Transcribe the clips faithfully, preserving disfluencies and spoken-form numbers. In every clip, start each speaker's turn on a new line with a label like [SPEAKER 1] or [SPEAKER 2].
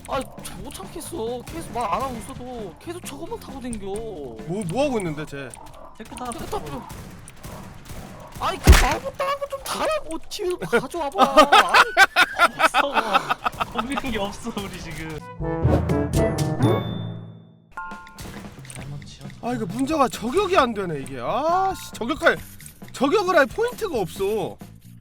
[SPEAKER 1] 아, 못 참겠어. 계속 말 안 하고 있어도 계속 저것만 타고 댕겨.
[SPEAKER 2] 뭐 뭐하고 있는데 쟤?
[SPEAKER 3] 테크 타고
[SPEAKER 1] 테크 타고. 아니 그 말고 딴 거 좀 달라고 뒤에서 가져와봐. 아니,
[SPEAKER 3] 없어. 없는 게 없어 우리 지금. 잘못 지었.
[SPEAKER 2] 아 이거 문제가 저격이 안 되네 이게. 아씨 저격할 저격을 할 포인트가 없어.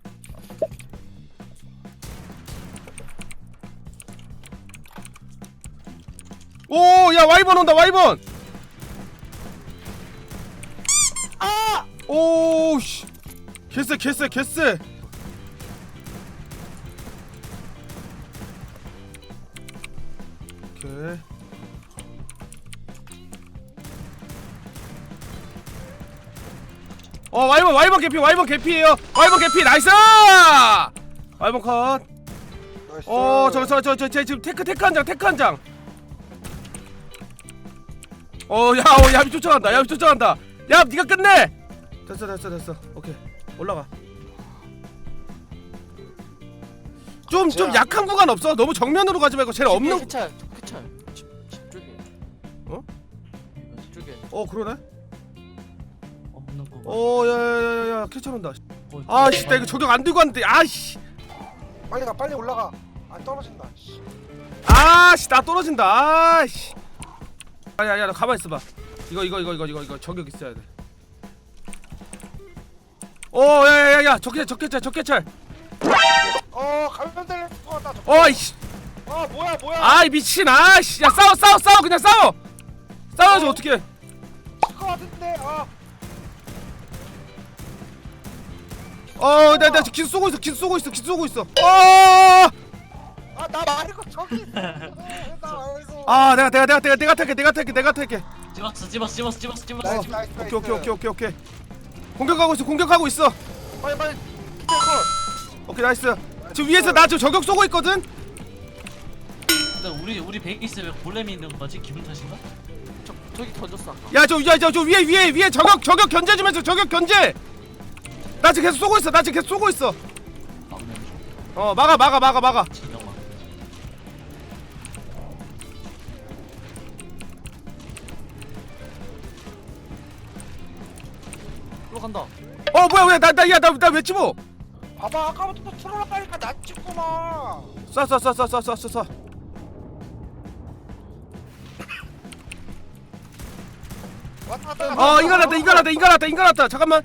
[SPEAKER 2] 오, 야 와이번 온다 와이번.
[SPEAKER 1] 아!
[SPEAKER 2] 오, 씨. 개쎄 개쎄 개쎄. 오케이. 어 와이번 와이번 개피 와이번 개피예요. 와이번 개피 나이스. 와이번 컷. 어 저 저 저 저 저 지금 테크 테크 한 장 테크 한 장. 어야 어, 야비 쫓아간다 야비 쫓아간다. 야 니가 끝내. 됐어 됐어 됐어. 오케이 올라가. 좀 좀 약한 구간 없어? 너무 정면으로 가지 말고 쟤는 없는.
[SPEAKER 1] 캐찰, 캐찰. 집, 집 쪽에.
[SPEAKER 2] 어?
[SPEAKER 1] 집 쪽에.
[SPEAKER 2] 어 그러네.
[SPEAKER 3] 없는 거.
[SPEAKER 2] 어 야야야야 캐쳐 온다. 아씨 나 이거 저격 안 들고 왔는데. 아씨
[SPEAKER 4] 빨리 가 빨리 올라가. 안 떨어진다. 씨.
[SPEAKER 2] 아씨 나 떨어진다. 아씨. 야야야 너 가만 있어봐. 이거 이거 이거 이거 이거 이거 저격 있어야 돼. 어 야야야야 적개찰 적개찰 적개찰.
[SPEAKER 4] 어 가면 될 것 같다.
[SPEAKER 2] 어이씨.
[SPEAKER 4] 아 뭐야 뭐야.
[SPEAKER 2] 아이 미친. 아씨 야 싸워 싸워 싸워 그냥 싸워. 싸워야지
[SPEAKER 4] 어.
[SPEAKER 2] 어떻게?
[SPEAKER 4] 칠것 같은데. 아.
[SPEAKER 2] 어나나 기수 쏘고 있어 기수 쏘고 있어 기수 쏘고 있어. 어.
[SPEAKER 4] 아나 말고 저기 있어. 나 말고.
[SPEAKER 2] 아 내가 내가 내가 내가 내가 탈게 내가 탈게 내가 탈게.
[SPEAKER 3] 찍었어 찍었어 찍었어 찍었어 찍었어.
[SPEAKER 4] 나이스 나이스 나이스.
[SPEAKER 2] 오케이 오케이 오케이 오케이 오케이. 공격하고 있어 공격하고 있어.
[SPEAKER 1] 빨리 빨리. 캐찰 걸.
[SPEAKER 2] 오케이 나이스. 지금 위에서 나 지금 저격 쏘고 있거든.
[SPEAKER 3] 근데 우리 우리 베이스 왜 골렘이 있는 거지? 기분 탓인가?
[SPEAKER 1] 저 저기 던졌어 아까.
[SPEAKER 2] 야 저 야 저 저 위에 위에 위에 저격 저격 견제 좀 해줘 저격 견제. 나 지금 계속 쏘고 있어 나 지금 계속 쏘고 있어.
[SPEAKER 3] 막는 중.
[SPEAKER 2] 어 막아 막아 막아 막아.
[SPEAKER 3] 진영 막.
[SPEAKER 1] 들어간다.
[SPEAKER 2] 어 뭐야 왜 나 나 야 나 나 왜 집어?
[SPEAKER 4] 봐봐 아까부터 틀어놨다니까 나 찍구나.
[SPEAKER 2] 쏴쏴쏴쏴쏴쏴.
[SPEAKER 4] 왔다 갔다.
[SPEAKER 2] 어 인간 났다 인간 났다 인간 났다 인간 났다. 잠깐만.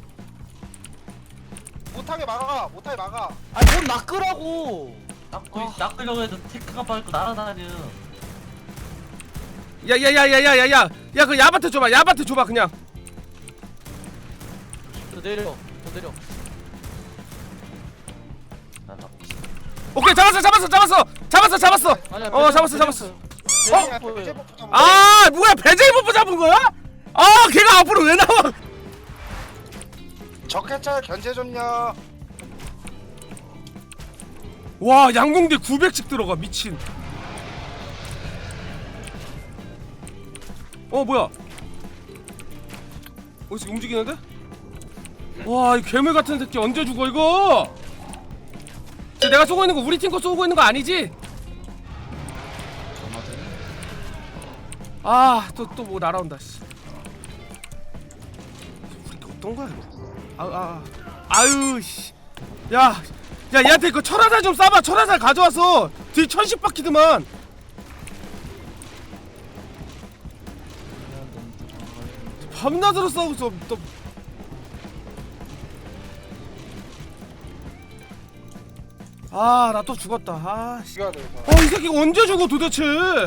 [SPEAKER 4] 못하게 막아 못하게 막아.
[SPEAKER 1] 아니 뭔 낚으라고.
[SPEAKER 3] 낚고
[SPEAKER 1] 아.
[SPEAKER 3] 낚으려고 해도 테크가 빠르고 날아다녀.
[SPEAKER 2] 야야야야야야야 야 그 야바트 줘봐 야바트 줘봐 그냥.
[SPEAKER 1] 더 내려. 더 내려.
[SPEAKER 3] 나 낚고 있어.
[SPEAKER 2] 오케이 잡았어 잡았어 잡았어 잡았어 잡았어.
[SPEAKER 1] 아니야.
[SPEAKER 2] 어, 잡았어, 잡았어.
[SPEAKER 4] 어?
[SPEAKER 1] 보여요.
[SPEAKER 2] 아 뭐야 배제이버프 잡은 거야? 아 걔가 앞으로 왜 나와?
[SPEAKER 4] 적해찰 견제 좀요.
[SPEAKER 2] 와 양궁대 구백씩 들어가 미친. 어 뭐야? 어디서 움직이는데? 와 이 괴물 같은 새끼 언제 죽어 이거? 쟤 내가 쏘고 있는 거 우리 팀 거 쏘고 있는 거 아니지? 아 또 또 뭐 날아온다 씨. 우리 거 어떤 거야 이거? 아아 아, 아유 씨. 야, 야 얘한테 그 철화살 좀 쏴봐. 철화살 가져와서 뒤 천십 바퀴드만. 밤낮으로 싸우고 있어. 또. 아, 나 또 죽었다. 아, 씨.
[SPEAKER 4] 이거 돼.
[SPEAKER 2] 어, 이 새끼가 언제 죽어 도대체?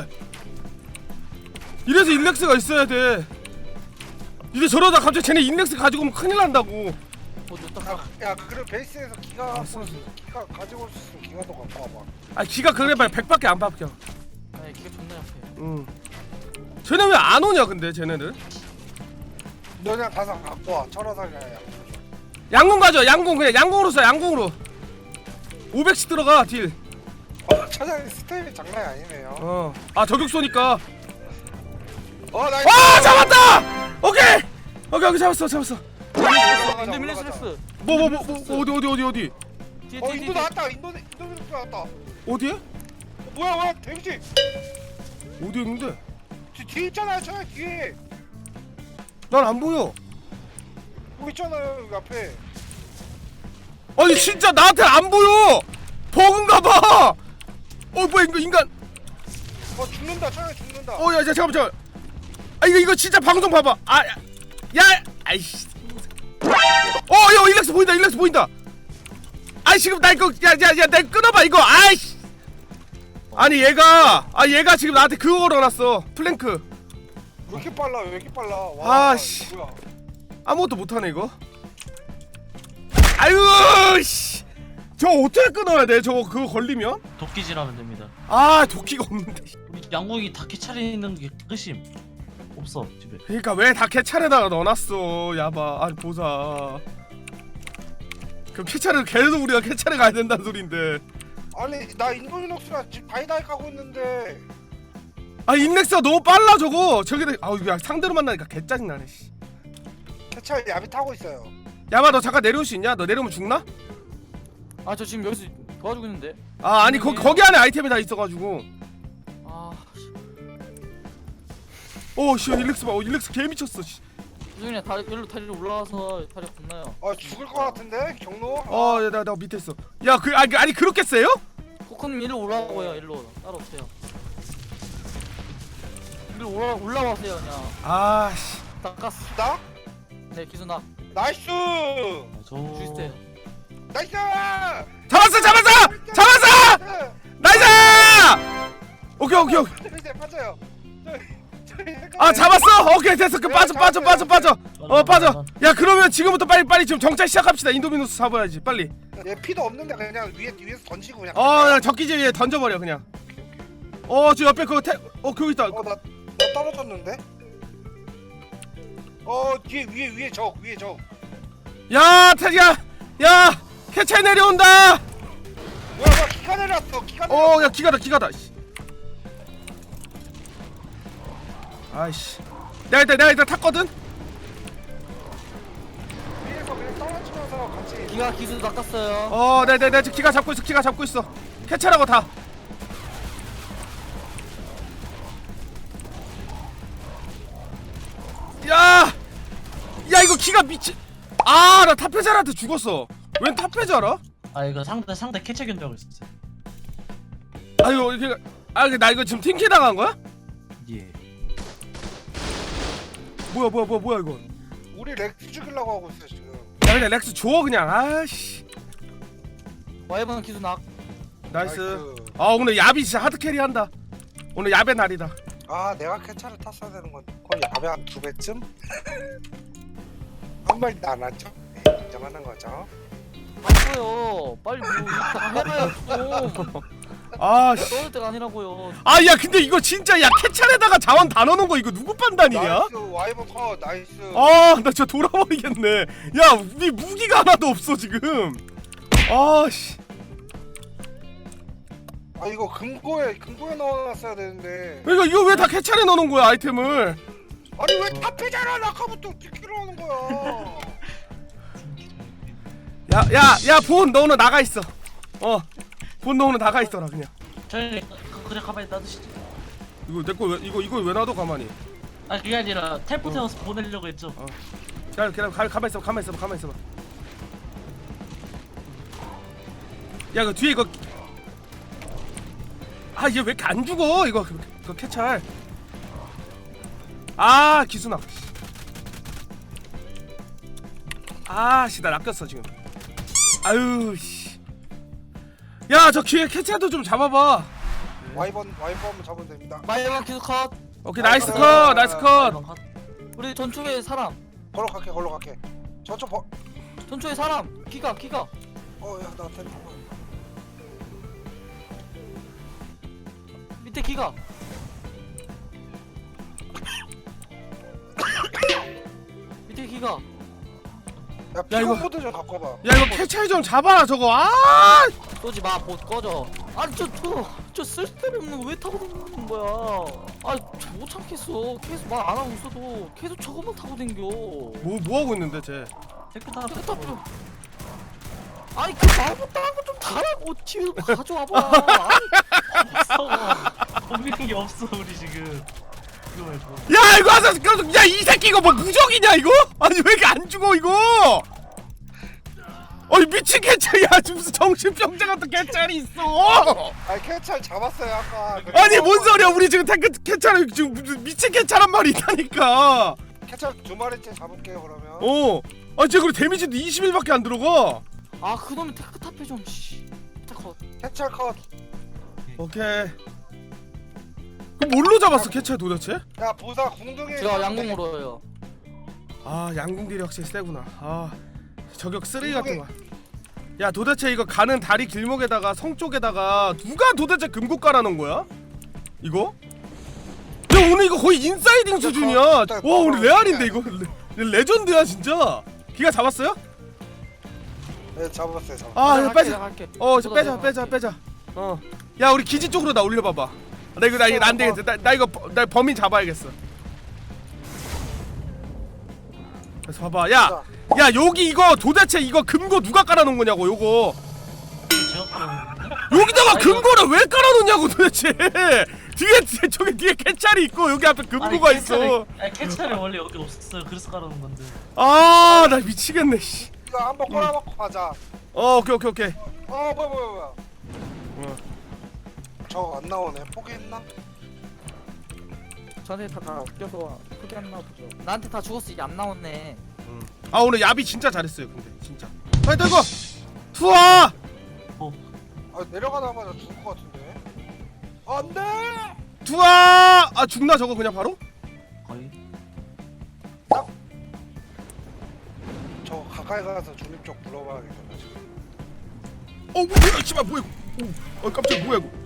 [SPEAKER 2] 이래서 인렉스가 있어야 돼. 이제 저러다 갑자기 쟤네 인렉스 가지고 오면 큰일 난다고.
[SPEAKER 1] 어디 딱.
[SPEAKER 4] 야, 야 그래 베이스에서 기가
[SPEAKER 2] 아,
[SPEAKER 4] 갖고
[SPEAKER 2] 쏘, 쏘.
[SPEAKER 4] 기가 가지고 올 수 있으면 기가 더 갖고 와봐.
[SPEAKER 2] 아, 기가 그래 봐야 백밖에 안 박혀.
[SPEAKER 1] 아니 기가 존나 약해.
[SPEAKER 2] 응. 쟤네 왜 안 오냐 근데 쟤네는?
[SPEAKER 4] 너 그냥 가서 갖고 와. 철화살이야.
[SPEAKER 2] 양궁 가져. 양궁 그냥 양궁으로 써. 양궁으로. 오백씩 들어가 딜.
[SPEAKER 4] 어, 차장님 스텝이 장난이 아니네요.
[SPEAKER 2] 어. 아 저격 쏘니까.
[SPEAKER 4] 어 나이스.
[SPEAKER 2] 아 잡았다. 오케이. 오케이 오케이 잡았어 잡았어.
[SPEAKER 1] 인도 밀레스레스.
[SPEAKER 2] 뭐 뭐 뭐 뭐, 어디 어디 어디 어디
[SPEAKER 1] 뒤에
[SPEAKER 4] 어
[SPEAKER 1] 뒤에
[SPEAKER 4] 인도
[SPEAKER 1] 뒤에.
[SPEAKER 4] 나왔다. 인도 인도 밀레스 나왔다.
[SPEAKER 2] 어디에?
[SPEAKER 4] 뭐야 뭐야 데미지
[SPEAKER 2] 어디 있는데?
[SPEAKER 4] 뒤, 뒤에 있잖아요 저 뒤에
[SPEAKER 2] 난 안 보여.
[SPEAKER 4] 여기 있잖아요 여기 앞에
[SPEAKER 2] 아니 진짜 나한테 안 보여. 버그인가 봐. 어 뭐야 이거 인간.
[SPEAKER 4] 어 죽는다 저기 죽는다
[SPEAKER 2] 어 야 잠깐만 잠깐. 아 이거 이거 진짜 방송 봐봐. 아 야, 야 아이씨. 어야 일렉스 보인다 일렉스 보인다. 아이 지금 나 이거 야야야 나 끊어봐 이거. 아이씨. 아니 얘가 아 얘가 지금 나한테 그거 걸어놨어. 플랭크.
[SPEAKER 4] 왜 이렇게 빨라 왜 이렇게 빨라 와
[SPEAKER 2] 아, 씨.
[SPEAKER 4] 뭐야
[SPEAKER 2] 아무것도 못하네 이거. 아유 씨. 저 어떻게 끊어야 돼? 저거 그거 걸리면?
[SPEAKER 3] 도끼질하면 됩니다.
[SPEAKER 2] 아 도끼가 없는데.
[SPEAKER 3] 우리 양궁이 다케 차리는 게 끝임. 없어 집에.
[SPEAKER 2] 그러니까 왜 다 캐찰에다가 넣어놨어 야바. 아니 보사. 그 캐찰을 계속 우리가 캐찰에 가야 된다는 소린데.
[SPEAKER 4] 아니 나 인도리녹스랑 지금 다이다이 가고 있는데
[SPEAKER 2] 아 인렉스가 너무 빨라 저거. 저기 아우 야 상대로 만나니까 개 짜증나네. 씨.
[SPEAKER 4] 캐찰 야비 타고 있어요
[SPEAKER 2] 야바 너 잠깐 내려올 수 있냐? 너 내려오면 죽나?
[SPEAKER 1] 아 저 지금 여기서 도와주고 있는데.
[SPEAKER 2] 아 아니 거, 거기 안에 아이템이 다 있어가지고.
[SPEAKER 1] 아 씨.
[SPEAKER 2] 어씨 일렉스 봐. 어, 일렉스 개 미쳤어. 씨.
[SPEAKER 1] 그냥 다리 일로 다리로 올라와서 다리 건너요.
[SPEAKER 4] 아 죽을 것 같은데 경로
[SPEAKER 2] 어나 나 밑에 있어. 야 그 아니, 아니 그렇게 세요?
[SPEAKER 1] 코코님 일로 올라오고요. 일로 따라오세요. 일로 올라 올라와세요 그냥.
[SPEAKER 2] 아씨.
[SPEAKER 1] 닦았어.
[SPEAKER 4] 나?
[SPEAKER 1] 네 기수나
[SPEAKER 4] 나이스
[SPEAKER 3] 저
[SPEAKER 1] 주세요.
[SPEAKER 4] 나이스
[SPEAKER 2] 잡았어 잡았어 잡았어 나이스. 오케이 오케이 오케이.
[SPEAKER 4] 저기 빠져요 저기
[SPEAKER 2] 아 잡았어. 오케이 됐어. 그 빠져 빠져 빠져 빠져. 어 빠져. 야 그러면 지금부터 빨리 빨리 지금 정찰 시작합시다. 인도미누스 잡아야지 빨리.
[SPEAKER 4] 얘 피도 없는데 그냥 위에 위에서 던지고 그냥
[SPEAKER 2] 어 그냥 적기지 위에 던져버려 그냥. 어 저 옆에 그거 태... 어 그거 있다.
[SPEAKER 4] 어나 나 떨어졌는데 어 뒤에 위에 위에 적 위에 적
[SPEAKER 2] 야 태지야 야 캐찰 내려온다.
[SPEAKER 4] 뭐야 뭐야 기가 내려왔어 기가 내려왔어
[SPEAKER 2] 어 야 기가다 기가다. 씨. 아이씨. 내가 일단 내가 일단 탔거든.
[SPEAKER 4] 위에서 그냥 떨어지면서 같이
[SPEAKER 1] 기가 기수 닦았어요.
[SPEAKER 2] 어 내가 내가 지금 기가 잡고 있어. 기가 잡고 있어. 캐찰하고 다. 야! 야 이거 기가 미치. 아 나 탑회자한테 죽었어. 웬 탑회자라?
[SPEAKER 3] 아 이거 상대 상대 캐치 견적을 있었어요.
[SPEAKER 2] 아유 이게 아 나 이거 지금 팀킬 당한 거야?
[SPEAKER 3] 예.
[SPEAKER 2] 뭐야 뭐야 뭐야 뭐야 이거.
[SPEAKER 4] 우리 렉스 죽이려고 하고 있어 지금
[SPEAKER 2] 야 그냥 렉스 줘 그냥. 아씨.
[SPEAKER 1] 와이번 기수 낙.
[SPEAKER 2] 나이스. 아 오늘 야비 진짜 하드 캐리 한다. 오늘 야배 날이다.
[SPEAKER 4] 아 내가 캐차를 탔어야 되는 건 그럼 야배 한 두 배쯤? 한 마리도 안 왔죠? 인정하는 거죠?
[SPEAKER 1] 맞어요. 빨리 뭐 이따가 해봐요 좀.
[SPEAKER 2] 아 씨.
[SPEAKER 1] 떠들 때가 아니라고요.
[SPEAKER 2] 아 야 근데 이거 진짜 야 캐찰에다가 자원 다 넣어놓은 거 이거 누구 판단이냐?
[SPEAKER 4] 나이스 와이번 컷 나이스
[SPEAKER 2] 아 나 진짜 돌아버리겠네. 야 우리 무기가 하나도 없어 지금. 아씨.
[SPEAKER 4] 아 이거 금고에 금고에 넣어놨어야 되는데
[SPEAKER 2] 이거 이거 왜 다 캐찰에 넣어놓은 거야 아이템을?
[SPEAKER 4] 아니 왜 탑이잖아 아까부터 지키러 오는 거야
[SPEAKER 2] 야야야본 너 오늘 나가 있어. 어. 본 너 오늘 나가 있어라 그냥.
[SPEAKER 3] 저희 그래 가만히 놔두시죠.
[SPEAKER 2] 이거 내 거 왜 이거 이거 왜 놔둬 가만히.
[SPEAKER 3] 아 그게 아니라 텔포 태워서 보내려고 했죠.
[SPEAKER 2] 어. 야 그냥 가 가만 있어 가만 있어 가만 있어 봐. 야 이거 뒤에 이거. 아 얘 왜 이렇게 안 죽어 이거 그, 그 캐찰. 아 기순아. 아씨 나 낚였어 지금. 아유 씨. 야 저 뒤에 캐찰도 좀 잡아봐.
[SPEAKER 4] 와이번 와이번 한번 잡으면 됩니다
[SPEAKER 1] 와이번 기수 컷.
[SPEAKER 2] 오케이 나이스 컷 나이스 컷.
[SPEAKER 1] 우리 전초에 사람.
[SPEAKER 4] 걸어 갈게 걸어 갈게 저쪽 버...
[SPEAKER 1] 전초에 사람. 기가 기가.
[SPEAKER 4] 어야나 텐트
[SPEAKER 1] 밑에 기가. 밑에 기가.
[SPEAKER 4] 야
[SPEAKER 2] 야, 이거-
[SPEAKER 4] 피곤보드 좀 갖고 와봐
[SPEAKER 2] 야 이거 캐찰 좀 잡아라 저거. 아
[SPEAKER 1] 쏘지 마. 봇 꺼져. 아니 저저저 쓸데없는 거 왜 타고 다니는 거야? 아저못 참겠어. 계속 말 안 하고 있어도 계속 저것만 타고 댕겨.
[SPEAKER 2] 뭐, 뭐 하고 있는데 쟤?
[SPEAKER 3] 텔포 타.
[SPEAKER 1] 저거 타. 아니 그 말 못하는 거좀 달라고 뒤로 가져와봐. 아니
[SPEAKER 3] 없는 게 없어 우리 지금. 이거 말고.
[SPEAKER 2] 야 이거 하자. 야이 새끼 이거 뭐 무적이냐 이거? 아니 왜 이렇게 안 죽어 이거? 아니 미친 개찰이야. 무슨 정신병자 같은 개찰이 있어.
[SPEAKER 4] 아니 캐찰 잡았어요 아까.
[SPEAKER 2] 아니 뭔 소리야? 우리 지금 탱크 개찰 지금 무슨 미친 개찰한 말이 있다니까.
[SPEAKER 4] 캐찰 두 마리째 잡을게요 그러면.
[SPEAKER 2] 어. 아 진짜 그래 데미지도 이십일밖에 안 들어가.
[SPEAKER 1] 아 그놈의 테크 탑해 좀. 씨. 컷.
[SPEAKER 4] 캐찰 컷.
[SPEAKER 2] 오케이. 그럼 뭘로 잡았어 개찰 도대체?
[SPEAKER 4] 야 보사 궁둥이.
[SPEAKER 1] 제가 양궁으로 해요.
[SPEAKER 2] 아 양궁딜이 확실히 세구나. 아 저격 쓰레기 같은 거. 야 도대체 이거 가는 다리 길목에다가 성 쪽에다가 누가 도대체 금고 깔아놓은 거야? 이거? 야 오늘 이거 거의 인사이딩 수준이야. 와 오늘 레알인데 이거 레, 레전드야 진짜. 기가 잡았어요?
[SPEAKER 4] 네 잡았어요 잡았어요.
[SPEAKER 2] 아 이거 빼자.
[SPEAKER 1] 갈게.
[SPEAKER 2] 어 이거 빼자 빼자 빼자. 어. 야 우리 기지 쪽으로 나 올려봐봐. 나 이거 나 이거 안 되겠어. 나, 나 이거 버- 나 범인 잡아야겠어. 그래서 봐봐. 야, 야 여기 이거 도대체 이거 금고 누가 깔아놓은 거냐고 요거.
[SPEAKER 3] 제가 깔아놓은
[SPEAKER 2] 여기다가 금고를 왜 깔아놓냐고 도대체. 뒤에 뒤에 저기 뒤에 캐찰이 있고 여기 앞에 금고가 있어.
[SPEAKER 3] 아니 캐찰이 원래 여기 없었어요. 그래서 깔아놓은 건데.
[SPEAKER 2] 아 나 미치겠네. 씨.
[SPEAKER 4] 이거 한번 꼬라박고 가자.
[SPEAKER 2] 어 오케이 오케이 오케이.
[SPEAKER 4] 어 뭐야 뭐야 뭐야.
[SPEAKER 2] 어.
[SPEAKER 4] 저거 안 나오네. 포기했나?
[SPEAKER 1] 저한테 다, 다 껴서 크게 안 나오죠. 나한테 다 죽었어. 이게 안 나왔네.
[SPEAKER 2] 아 오늘 야비 진짜 잘했어요 근데 진짜. 파이터 이거 투하.
[SPEAKER 4] 아 내려가자마자 죽을 것 같은데. 안돼.
[SPEAKER 2] 투하. 아 죽나 저거 그냥 바로?
[SPEAKER 3] 거의.
[SPEAKER 4] 저 가까이 가서 중립 쪽 불러봐야겠다 지금.
[SPEAKER 2] 어 뭐야 씨발 뭐야 이거. 어 깜짝 뭐야 이거.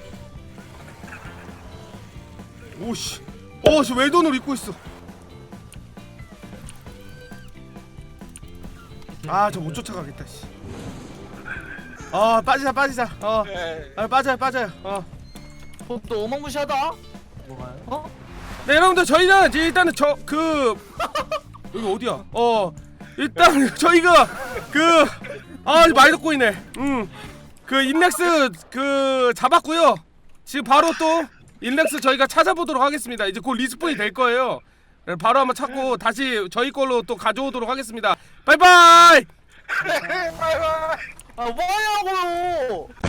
[SPEAKER 2] 오씨 어씨 외돈을 입고 있어. 아 저 못 쫓아가겠다 씨. 아 빠지자 빠지자. 어
[SPEAKER 4] 네.
[SPEAKER 2] 아, 빠져요 빠져요. 어.
[SPEAKER 1] 어, 너 어마무시하다.
[SPEAKER 3] 뭐가요?
[SPEAKER 1] 어?
[SPEAKER 2] 네 여러분들 저희는 이제 일단은 저 그 여기 어디야? 어 일단 저희가 그아 많이 듣고 있네. 음그 인렉스 그 잡았고요. 지금 바로 또 인렉스 저희가 찾아보도록 하겠습니다. 이제 곧 리스폰이 될 거예요. 바로 한번 찾고 다시 저희 걸로 또 가져오도록 하겠습니다. 바이바이.
[SPEAKER 4] 바이바이.
[SPEAKER 1] 아 뭐냐고요.